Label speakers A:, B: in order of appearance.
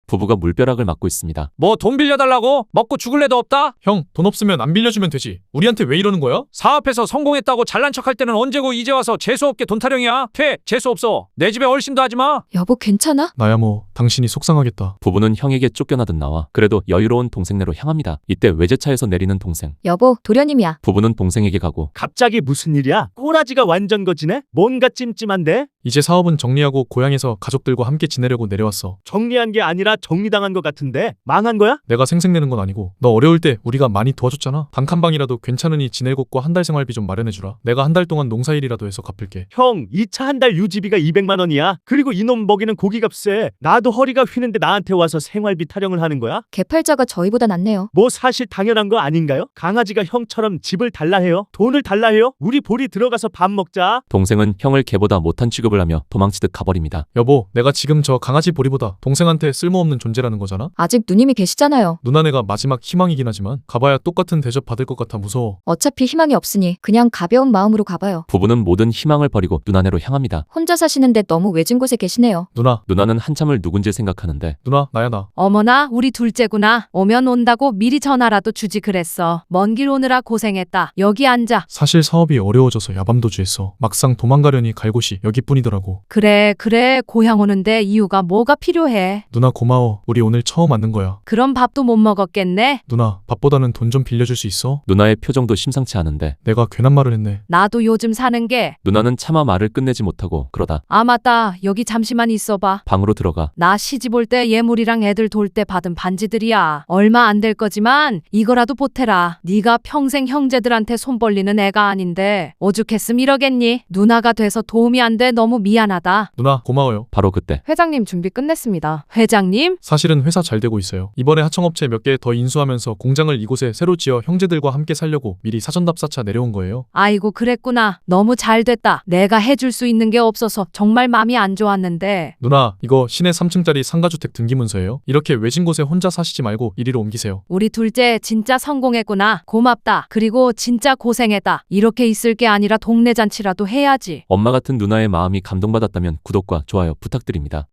A: 부부가 물벼락을 맞고 있습니다.
B: 뭐 돈 빌려달라고? 먹고 죽을 애도 없다?
C: 형, 돈 없으면 안 빌려주면 되지. 우리한테 왜 이러는 거야?
B: 사업해서 성공했다고 잘난 척할 때는 언제고 이제 와서 재수없게 돈 타령이야? 재수없어. 내 집에 얼씬도 하지마.
D: 여보 괜찮아?
C: 나야 뭐 당신이 속상하겠다.
A: 부부는 형에게 쫓겨나듯 나와 그래도 여유로운 동생네로 향합니다. 이때 외제차에서 내리는 동생.
D: 여보 도련님이야.
A: 부부는 동생에게 가고
E: 갑자기 무슨 일이야? 꼬라지가 완전 거지네? 뭔가 찜찜한데?
C: 이제 사업은 정리하고 고향에서 가족들과 함께 지내려고 내려왔어.
E: 정리한 게 아니라 정리당한 것 같은데? 망한 거야?
C: 내가 생색내는 건 아니고 너 어려울 때 우리가 많이 도와줬잖아. 단 한 방이라도 괜찮으니 지낼 곳과 한 달 생활비 좀 마련해주라. 내가 한 달 동안 농사일이라도 해서 갚을게.
E: 형, 이 차 한 달 유지비가 200만 원이야. 그리고 이놈 먹이는 고기값에 나도 허리가 휘는데 나한테 와서 생활비 타령을 하는 거야?
D: 개팔자가 저희보다 낫네요.
E: 뭐 사실 당연한 거 아닌가요? 강아지가 형처럼 집을 달라 해요? 돈을 달라 해요? 우리 보리 들어가서 밥 먹자.
A: 동생은 형을 개보다 못한 취급을 하며 도망치듯 가버립니다.
C: 여보, 내가 지금 저 강아지 보리보다 동생한테 쓸모없는 존재라는 거잖아.
D: 아직 누님이 계시잖아요.
C: 누나네가 마지막 희망이긴 하지만 가봐야 똑같은 대접 받을 것 같아 무서워.
D: 어차피 희망이 없으니 그냥 가벼운 마음으로 가봐요.
A: 부부는 모든 희망을 버리고 누나네로 향합니다.
D: 혼자 사시는데 너무 외진 곳에 계시네요.
C: 누나는
A: 한참을 누군지 생각하는데
C: 누나, 나야 나.
F: 어머나 우리 둘째구나. 오면 온다고 미리 전화라도 주지 그랬어. 먼 길 오느라 고생했다. 여기 앉아.
C: 사실 사업이 어려워져서 야밤도주했어. 막상 도망가려니 갈 곳이 여기뿐이더라고.
F: 그래 고향 오는데 이유가 뭐가 필요해.
C: 누나 고마워. 우리 오늘 처음 만난 거야.
F: 그럼 밥도 못 먹었겠네.
C: 누나, 밥보다는 돈 좀 빌려줄 수 있어?
A: 누나의 표정도 심상치 않은데
C: 내가 괜한 말을 했네.
F: 나도 요즘 사는 게.
A: 누나는 차마 말을 끝내지 못하고 그러다
F: 아 맞다. 여기 잠시만 있어봐.
A: 방으로 들어가
F: 나 시집 올 때 예물이랑 애들 돌 때 받은 반지들이야. 얼마 안 될 거지만 이거라도 보태라. 네가 평생 형제들한테 손 벌리는 애가 아닌데 오죽했음 이러겠니? 누나가 돼서 도움이 안 돼 너무 미안하다.
C: 누나, 고마워요.
A: 바로 그때
F: 회장님 준비 끝냈습니다. 회장님?
C: 사실은 회사 잘 되고 있어요. 이번에 하청업체 몇 개 더 인수하면서 공장을 이곳에 새로 지어 형제들과 함께 살려고 미리 사전답사차 내려온 거예요.
F: 아이고 그랬구나. 너무 잘 됐다. 내가 해줄 수 있는 게 없어서 정말 마음이 안 좋았는데.
C: 누나, 이거 시내 3층짜리 상가주택 등기문서예요. 이렇게 외진 곳에 혼자 사시지 말고 이리로 옮기세요.
F: 우리 둘째 진짜 성공했구나. 고맙다. 그리고 진짜 고생했다. 이렇게 있을 게 아니라 동네 잔치라도 해야지.
A: 엄마 같은 누나의 마음이 감동받았다면 구독과 좋아요 부탁드립니다.